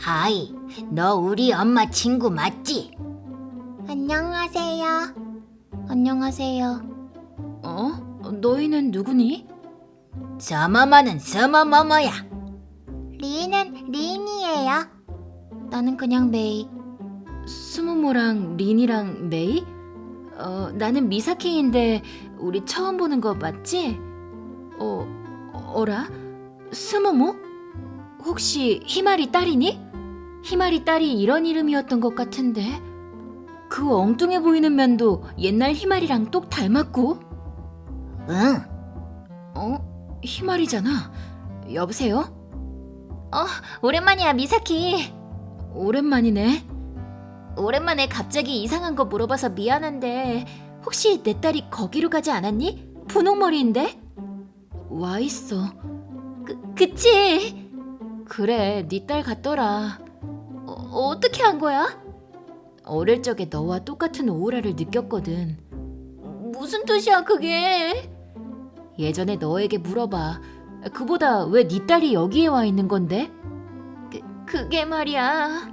하이, 너 우리 엄마 친구 맞지? 안녕하세요. 안녕하세요. 너희는 누구니? 서머머는 서머머머야. 리인은 리인이에요. 나는 그냥 메이. 스모모랑 린이랑 메이? 나는 미사키인데 우리 처음 보는 거 맞지? 어라? 스모모? 혹시 히마리 딸이니? 히마리 딸이 이런 이름이었던 것 같은데 그 엉뚱해 보이는 면도 옛날 히마리랑 똑 닮았고 응. 히마리잖아. 여보세요? 오랜만이야, 미사키. 오랜만이네. 오랜만에 갑자기 이상한 거 물어봐서 미안한데 혹시 내 딸이 거기로 가지 않았니? 분홍머리인데? 와 있어. 그치? 그래, 네 딸 같더라. 어떻게 한 거야? 어릴 적에 너와 똑같은 오우라를 느꼈거든. 무슨 뜻이야 그게? 예전에 너에게 물어봐. 그보다 왜 네 딸이 여기에 와 있는 건데? 그게 말이야.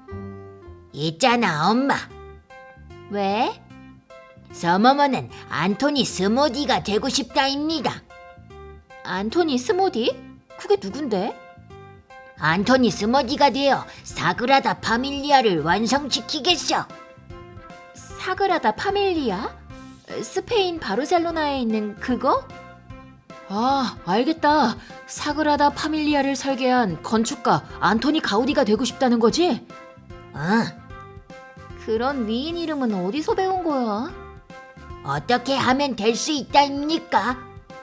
있잖아, 엄마. 왜? 서머머는 안토니 스모디가 되고 싶다입니다. 안토니 스모디? 그게 누군데? 안토니 스모디가 되어 사그라다 파밀리아를 완성시키겠어. 사그라다 파밀리아? 스페인 바르셀로나에 있는 그거? 아, 알겠다. 사그라다 파밀리아를 설계한 건축가 안토니 가우디가 되고 싶다는 거지? 응. 그런 위인 이름은 어디서 배운 거야? 어떻게 하면 될 수 있다입니까?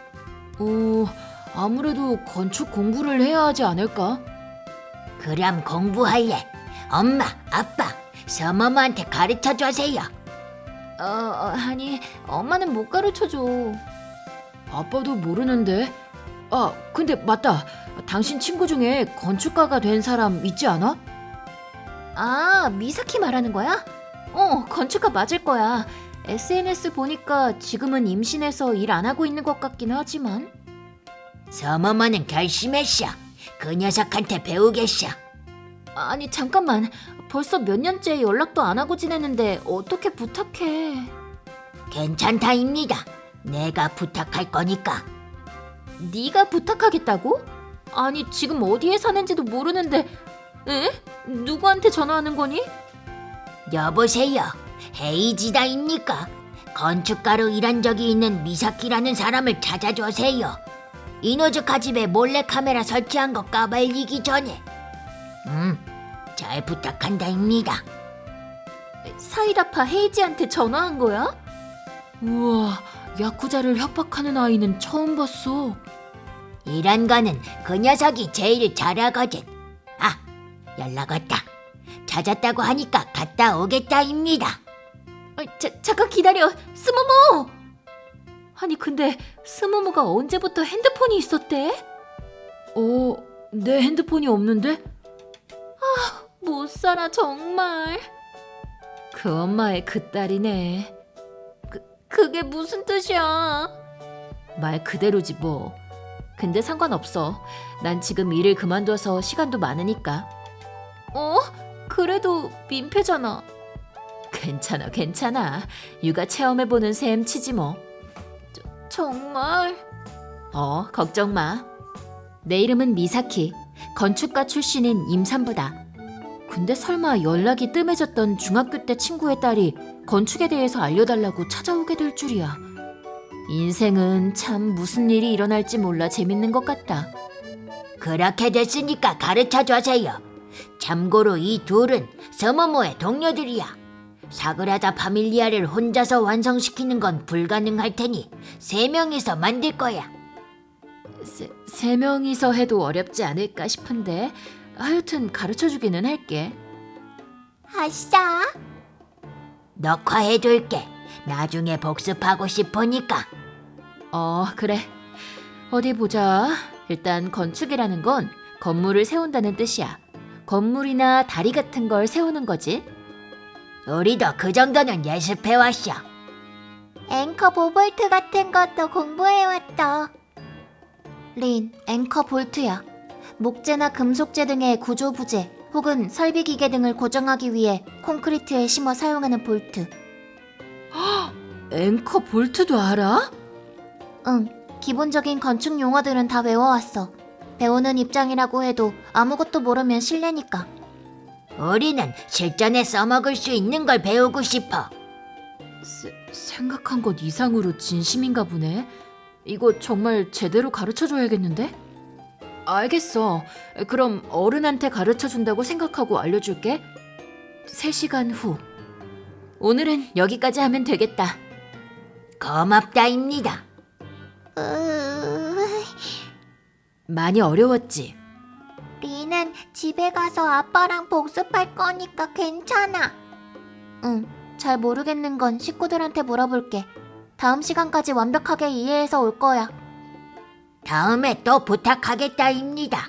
아무래도 건축 공부를 해야 하지 않을까? 그럼 공부할래. 엄마, 아빠, 서머머한테 가르쳐 주세요. 아니, 엄마는 못 가르쳐줘. 아빠도 모르는데. 근데 맞다. 당신 친구 중에 건축가가 된 사람 있지 않아? 아, 미사키 말하는 거야? 건축가 맞을 거야. SNS 보니까 지금은 임신해서 일 안 하고 있는 것 같긴 하지만. 서머머는 결심했어. 그 녀석한테 배우겠어. 아니, 잠깐만. 벌써 몇 년째 연락도 안 하고 지내는데 어떻게 부탁해? 괜찮다입니다. 내가 부탁할 거니까. 네가 부탁하겠다고? 아니, 지금 어디에 사는지도 모르는데. 에? 누구한테 전화하는 거니? 여보세요. 헤이지다입니까? 건축가로 일한 적이 있는 미사키라는 사람을 찾아주세요. 이노즈카 집에 몰래카메라 설치한 거 까발리기 전에. 잘 부탁한다입니다. 사이다파 헤이지한테 전화한 거야? 우와, 야쿠자를 협박하는 아이는 처음 봤어. 이런 거는 그 녀석이 제일 잘하거든. 아, 연락 왔다. 찾았다고 하니까 갔다 오겠다입니다. 잠깐 기다려. 스모모! 아니, 근데 스모모가 언제부터 핸드폰이 있었대? 내 핸드폰이 없는데? 못 살아 정말. 그 엄마의 그 딸이네. 그게 무슨 뜻이야? 말 그대로지 뭐. 근데 상관없어. 난 지금 일을 그만둬서 시간도 많으니까. 그래도 민폐잖아. 괜찮아. 육아 체험해보는 셈 치지 뭐. 정말? 걱정 마. 내 이름은 미사키. 건축가 출신인 임산부다. 근데 설마 연락이 뜸해졌던 중학교 때 친구의 딸이 건축에 대해서 알려달라고 찾아오게 될 줄이야. 인생은 참 무슨 일이 일어날지 몰라 재밌는 것 같다. 그렇게 됐으니까 가르쳐 주세요. 참고로 이 둘은 서머모의 동료들이야. 사그라다 파밀리아를 혼자서 완성시키는 건 불가능할 테니 3명이서 만들 거야. 세 명이서 해도 어렵지 않을까 싶은데 하여튼 가르쳐주기는 할게. 아싸. 녹화해둘게. 나중에 복습하고 싶으니까. 그래. 어디 보자. 일단 건축이라는 건 건물을 세운다는 뜻이야. 건물이나 다리 같은 걸 세우는 거지. 우리도 그 정도는 예습해왔어. 앵커 보볼트 같은 것도 공부해왔다. 린, 앵커 볼트야. 목재나 금속재 등의 구조 부재, 혹은 설비 기계 등을 고정하기 위해 콘크리트에 심어 사용하는 볼트. 앵커 볼트도 알아? 응, 기본적인 건축 용어들은 다 외워왔어. 배우는 입장이라고 해도 아무것도 모르면 실례니까. 우리는 실전에 써먹을 수 있는 걸 배우고 싶어. 생각한 것 이상으로 진심인가 보네. 이거 정말 제대로 가르쳐줘야겠는데? 알겠어. 그럼 어른한테 가르쳐준다고 생각하고 알려줄게. 3시간 후. 오늘은 여기까지 하면 되겠다. 고맙다입니다. 많이 어려웠지? 리는 집에 가서 아빠랑 복습할 거니까 괜찮아. 응, 잘 모르겠는 건 식구들한테 물어볼게. 다음 시간까지 완벽하게 이해해서 올 거야. 다음에 또 부탁하겠다입니다.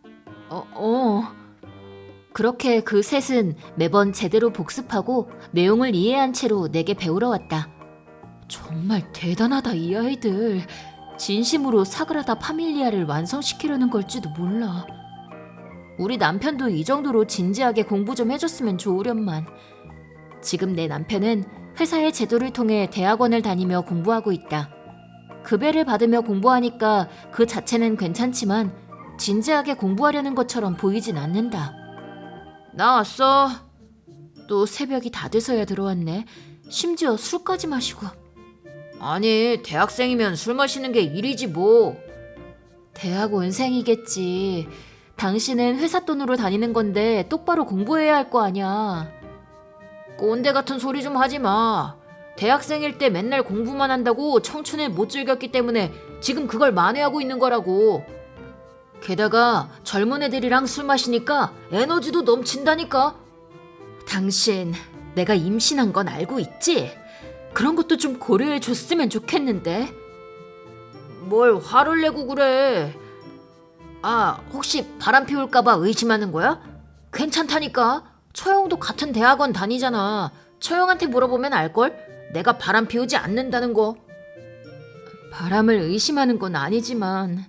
그렇게 그 셋은 매번 제대로 복습하고 내용을 이해한 채로 내게 배우러 왔다. 정말 대단하다, 이 아이들. 진심으로 사그라다 파밀리아를 완성시키려는 걸지도 몰라. 우리 남편도 이 정도로 진지하게 공부 좀 해줬으면 좋으련만. 지금 내 남편은 회사의 제도를 통해 대학원을 다니며 공부하고 있다. 급여를 받으며 공부하니까 그 자체는 괜찮지만 진지하게 공부하려는 것처럼 보이진 않는다. 나왔어. 또 새벽이 다 돼서야 들어왔네. 심지어 술까지 마시고. 아니, 대학생이면 술 마시는 게 일이지 뭐. 대학원생이겠지. 당신은 회사 돈으로 다니는 건데 똑바로 공부해야 할 거 아냐. 꼰대 같은 소리 좀 하지 마. 대학생일 때 맨날 공부만 한다고 청춘을 못 즐겼기 때문에 지금 그걸 만회하고 있는 거라고. 게다가 젊은 애들이랑 술 마시니까 에너지도 넘친다니까. 당신, 내가 임신한 건 알고 있지? 그런 것도 좀 고려해 줬으면 좋겠는데. 뭘 화를 내고 그래. 아, 혹시 바람 피울까봐 의심하는 거야? 괜찮다니까. 처형도 같은 대학원 다니잖아. 처형한테 물어보면 알걸? 내가 바람 피우지 않는다는 거. 바람을 의심하는 건 아니지만.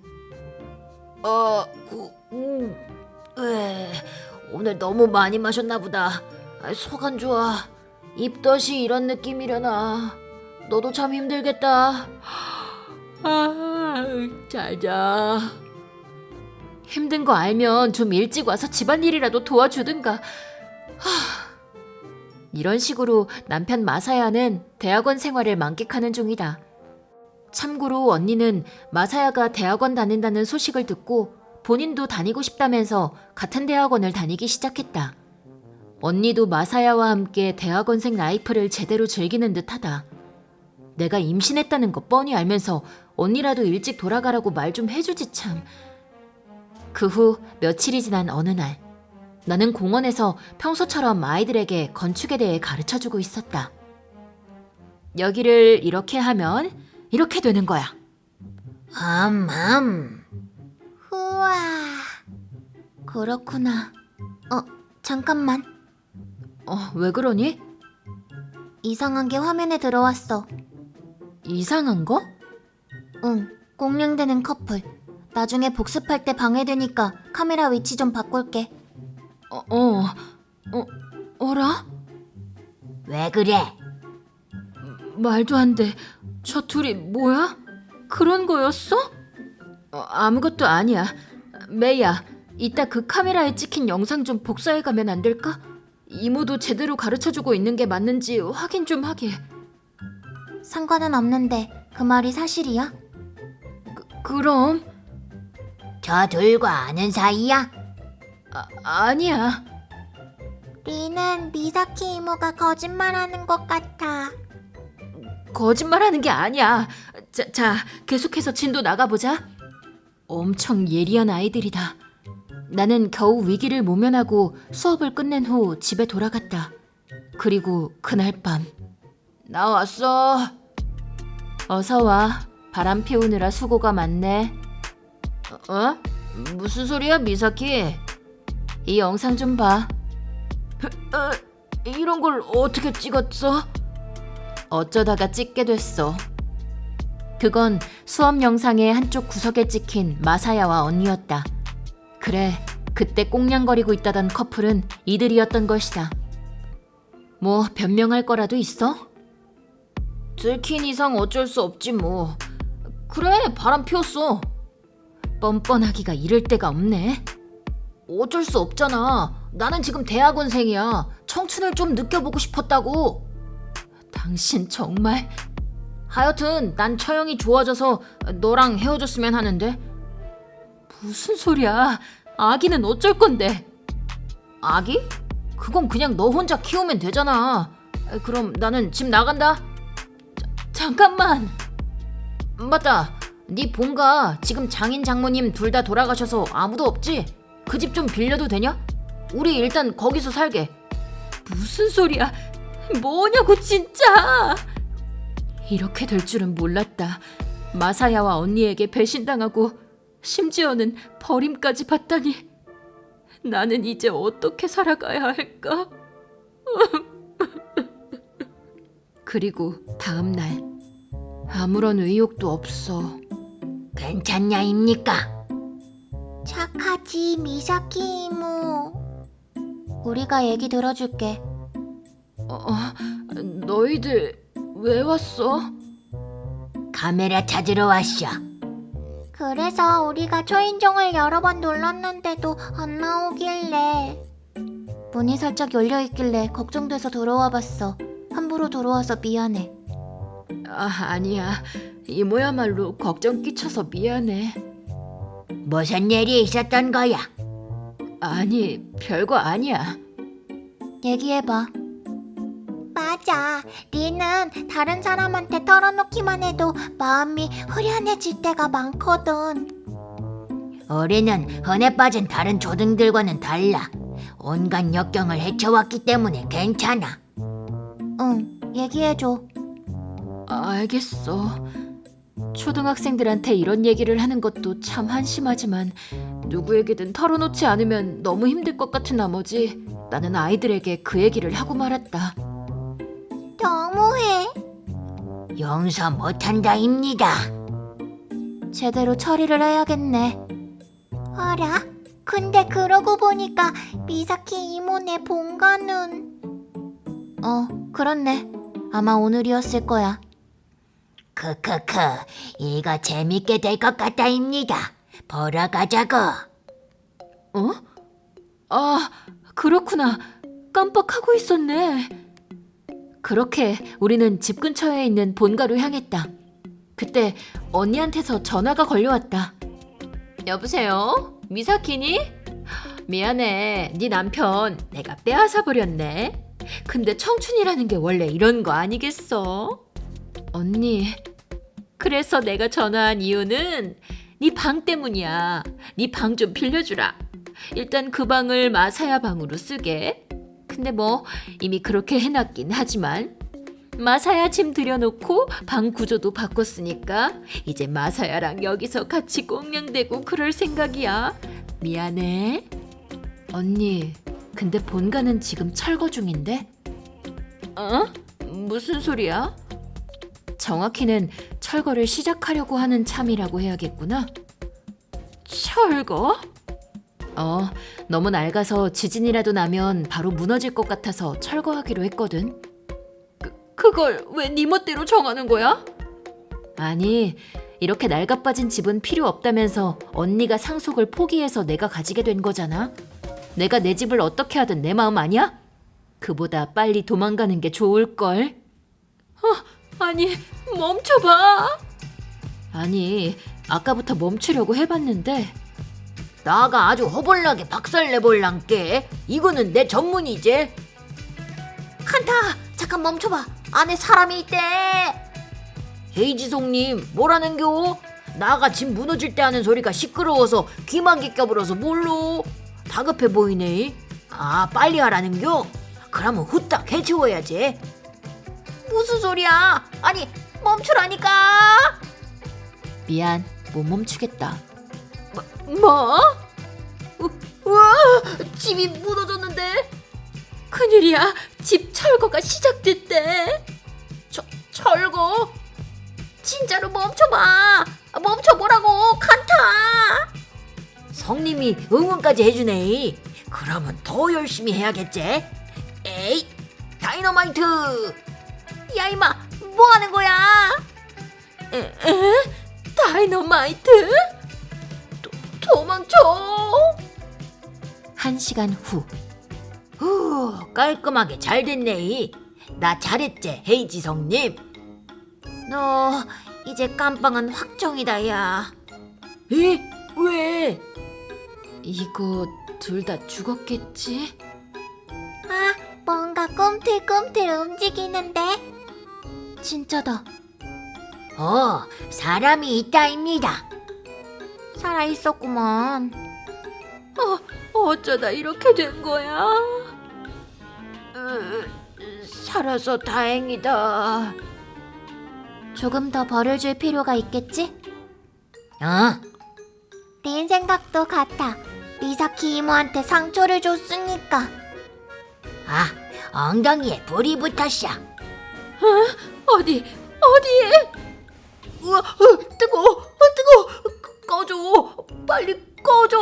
오늘 너무 많이 마셨나 보다. 속 안 좋아. 입덧이 이런 느낌이려나. 너도 참 힘들겠다. 잘 자. 힘든 거 알면 좀 일찍 와서 집안일이라도 도와주든가. 이런 식으로 남편 마사야는 대학원 생활을 만끽하는 중이다. 참고로 언니는 마사야가 대학원 다닌다는 소식을 듣고 본인도 다니고 싶다면서 같은 대학원을 다니기 시작했다. 언니도 마사야와 함께 대학원생 라이프를 제대로 즐기는 듯하다. 내가 임신했다는 거 뻔히 알면서 언니라도 일찍 돌아가라고 말 좀 해주지 참. 그 후 며칠이 지난 어느 날, 나는 공원에서 평소처럼 아이들에게 건축에 대해 가르쳐주고 있었다. 여기를 이렇게 하면 이렇게 되는 거야. 우와. 그렇구나. 잠깐만. 왜 그러니? 이상한 게 화면에 들어왔어. 이상한 거? 응, 꽁냥대는 커플. 나중에 복습할 때 방해되니까 카메라 위치 좀 바꿀게. 어라? 왜 그래? 말도 안 돼. 저 둘이 뭐야? 그런 거였어? 아무것도 아니야. 메이야, 이따 그 카메라에 찍힌 영상 좀 복사해가면 안 될까? 이모도 제대로 가르쳐주고 있는 게 맞는지 확인 좀 하게. 상관은 없는데 그 말이 사실이야? 그럼? 저 둘과 아는 사이야? 아니야. 리는 미사키 이모가 거짓말하는 것 같아. 거짓말하는 게 아니야. 자, 계속해서 진도 나가보자. 엄청 예리한 아이들이다. 나는 겨우 위기를 모면하고 수업을 끝낸 후 집에 돌아갔다. 그리고 그날 밤. 나 왔어. 어서 와. 바람 피우느라 수고가 많네. 무슨 소리야, 미사키? 이 영상 좀 봐. 이런 걸 어떻게 찍었어? 어쩌다가 찍게 됐어. 그건 수업 영상의 한쪽 구석에 찍힌 마사야와 언니였다. 그래, 그때 꽁냥거리고 있다던 커플은 이들이었던 것이다. 뭐 변명할 거라도 있어? 들킨 이상 어쩔 수 없지 뭐. 그래, 바람 피웠어. 뻔뻔하기가 이럴 데가 없네. 어쩔 수 없잖아. 나는 지금 대학원생이야. 청춘을 좀 느껴보고 싶었다고. 당신 정말... 하여튼 난 처형이 좋아져서 너랑 헤어졌으면 하는데. 무슨 소리야. 아기는 어쩔 건데. 아기? 그건 그냥 너 혼자 키우면 되잖아. 그럼 나는 집 나간다. 잠깐만. 맞다. 네 본가 지금 장인 장모님 둘 다 돌아가셔서 아무도 없지? 그 집 좀 빌려도 되냐? 우리 일단 거기서 살게. 무슨 소리야. 뭐냐고 진짜. 이렇게 될 줄은 몰랐다. 마사야와 언니에게 배신당하고 심지어는 버림까지 받다니. 나는 이제 어떻게 살아가야 할까? 그리고 다음 날 아무런 의욕도 없어. 괜찮냐입니까? 착하지, 미사키 이모. 우리가 얘기 들어줄게. 너희들 왜 왔어? 카메라 찾으러 왔어. 그래서 우리가 초인종을 여러 번 눌렀는데도 안 나오길래. 문이 살짝 열려있길래 걱정돼서 들어와 봤어. 함부로 들어와서 미안해. 아니야. 이모야말로 걱정 끼쳐서 미안해. 무슨 일이 있었던 거야? 아니, 별거 아니야. 얘기해봐. 맞아. 니는 다른 사람한테 털어놓기만 해도 마음이 후련해질 때가 많거든. 우리는 흔해 빠진 다른 조등들과는 달라. 온갖 역경을 헤쳐왔기 때문에 괜찮아. 응, 얘기해줘. 알겠어. 초등학생들한테 이런 얘기를 하는 것도 참 한심하지만 누구에게든 털어놓지 않으면 너무 힘들 것 같은 나머지 나는 아이들에게 그 얘기를 하고 말았다. 너무해. 용서 못한다입니다. 제대로 처리를 해야겠네. 어라? 근데 그러고 보니까 미사키 이모네 본가는... 그렇네. 아마 오늘이었을 거야. 크크크, 이거 재밌게 될 것 같다입니다. 보러 가자고. 아, 그렇구나. 깜빡하고 있었네. 그렇게 우리는 집 근처에 있는 본가로 향했다. 그때 언니한테서 전화가 걸려왔다. 여보세요? 미사키니? 미안해. 네 남편 내가 빼앗아 버렸네. 근데 청춘이라는 게 원래 이런 거 아니겠어? 언니, 그래서 내가 전화한 이유는 네 방 때문이야. 네 방 좀 빌려주라. 일단 그 방을 마사야 방으로 쓰게. 근데 뭐 이미 그렇게 해놨긴 하지만 마사야 짐 들여놓고 방 구조도 바꿨으니까 이제 마사야랑 여기서 같이 꽁냥대고 그럴 생각이야. 미안해. 언니, 근데 본가는 지금 철거 중인데? 무슨 소리야? 정확히는 철거를 시작하려고 하는 참이라고 해야겠구나. 철거? 너무 낡아서 지진이라도 나면 바로 무너질 것 같아서 철거하기로 했거든. 그걸 왜 네 멋대로 정하는 거야? 아니, 이렇게 낡아빠진 집은 필요 없다면서 언니가 상속을 포기해서 내가 가지게 된 거잖아. 내가 내 집을 어떻게 하든 내 마음 아니야? 그보다 빨리 도망가는 게 좋을걸. 아니, 멈춰봐. 아니, 아까부터 멈추려고 해봤는데 나가 아주 허벌나게 박살내볼란께. 이거는 내 전문이지. 칸타, 잠깐 멈춰봐. 안에 사람이 있대. 헤이지송님, 뭐라는겨? 나가 집 무너질 때 하는 소리가 시끄러워서 귀만 껴불어서 몰로. 다급해 보이네. 아, 빨리 하라는겨? 그러면 후딱 해치워야지. 무슨 소리야? 아니, 멈추라니까. 미안, 못 멈추겠다. 뭐? 우와, 집이 무너졌는데? 큰일이야. 집 철거가 시작됐대. 철거? 진짜로 멈춰봐. 멈춰보라고, 칸타. 성님이 응원까지 해주네. 그러면 더 열심히 해야겠지. 에이, 다이너마이트! 야 이마 뭐 하는 거야? 다이너마이트? 도망쳐! 1시간 후. 깔끔하게 잘 됐네. 나 잘했지, 헤이지 성님. 너 이제 깜빵은 확정이다 야. 에? 왜? 이거 둘 다 죽었겠지? 아 뭔가 꿈틀꿈틀 움직이는데. 진짜다. 사람이 있다입니다. 살아있었구먼. 어쩌다 이렇게 된 거야? 살아서 다행이다. 조금 더 벌을 줄 필요가 있겠지? 린 생각도 같아. 미사키 이모한테 상처를 줬으니까. 엉덩이에 불이 붙었어. 어디에? 우와, 뜨거워. 꺼줘. 빨리 꺼줘.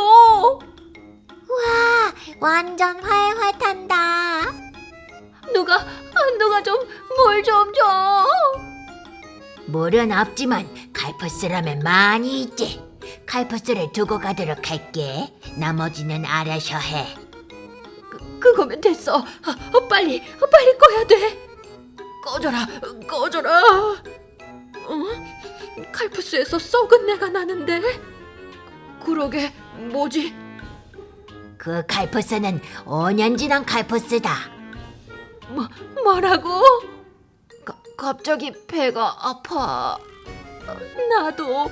와 완전 활활 탄다. 누가 좀 물 좀 줘. 물은 없지만 칼퍼스라면 많이 있지. 칼퍼스를 두고 가도록 할게. 나머지는 알아서 해. 그거면 됐어. 빨리 꺼야 돼. 꺼져라. 칼프스에서 썩은 내가 나는데. 그러게 뭐지? 그 칼퍼스는 5년 지난 칼퍼스다. 뭐라고? 갑자기 배가 아파. 나도.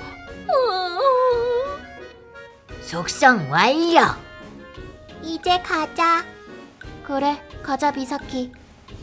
속성 완료. 이제 가자. 그래 가자 미사키.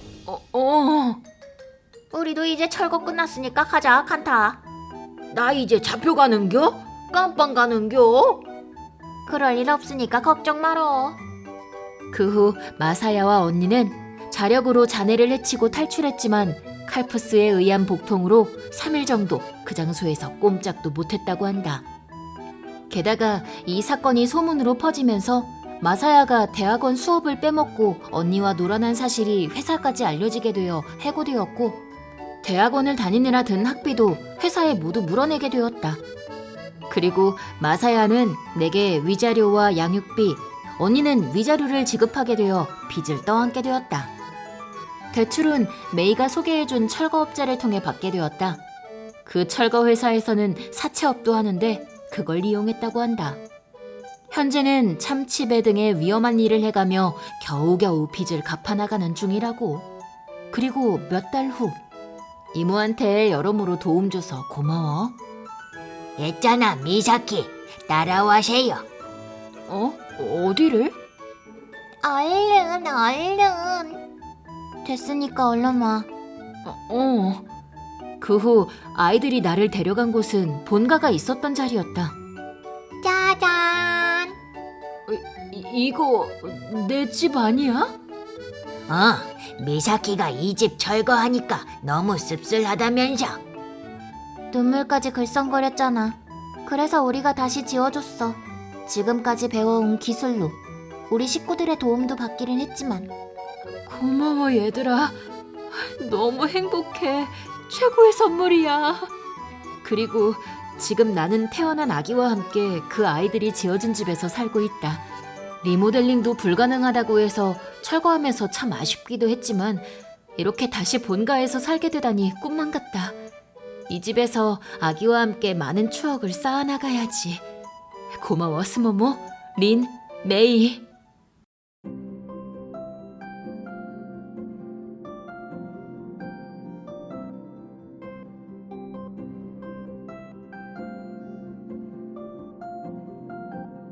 우리도 이제 철거 끝났으니까 가자 칸타. 나 이제 잡혀가는겨? 깜빵 가는겨? 그럴 일 없으니까 걱정 말어. 그 후 마사야와 언니는 자력으로 자네를 해치고 탈출했지만 칼프스에 의한 복통으로 3일 정도 그 장소에서 꼼짝도 못했다고 한다. 게다가 이 사건이 소문으로 퍼지면서 마사야가 대학원 수업을 빼먹고 언니와 놀아난 사실이 회사까지 알려지게 되어 해고되었고, 대학원을 다니느라 든 학비도 회사에 모두 물어내게 되었다. 그리고 마사야는 내게 위자료와 양육비, 언니는 위자료를 지급하게 되어 빚을 떠안게 되었다. 대출은 메이가 소개해준 철거업자를 통해 받게 되었다. 그 철거회사에서는 사채업도 하는데 그걸 이용했다고 한다. 현재는 참치배 등의 위험한 일을 해가며 겨우겨우 빚을 갚아나가는 중이라고. 그리고 몇 달 후, 이모한테 여러모로 도움 줘서 고마워. 있잖아, 미사키. 따라와세요. 어디를? 얼른. 됐으니까 얼른 와. 그 후 아이들이 나를 데려간 곳은 본가가 있었던 자리였다. 짜잔. 이거 내 집 아니야? 미사키가 이 집 철거하니까 너무 씁쓸하다면서. 눈물까지 글썽거렸잖아. 그래서 우리가 다시 지어줬어. 지금까지 배워온 기술로. 우리 식구들의 도움도 받기는 했지만. 고마워 얘들아. 너무 행복해. 최고의 선물이야. 그리고 지금 나는 태어난 아기와 함께 그 아이들이 지어준 집에서 살고 있다. 리모델링도 불가능하다고 해서 철거하면서 참 아쉽기도 했지만 이렇게 다시 본가에서 살게 되다니 꿈만 같다. 이 집에서 아기와 함께 많은 추억을 쌓아나가야지. 고마워 스모모, 린, 메이.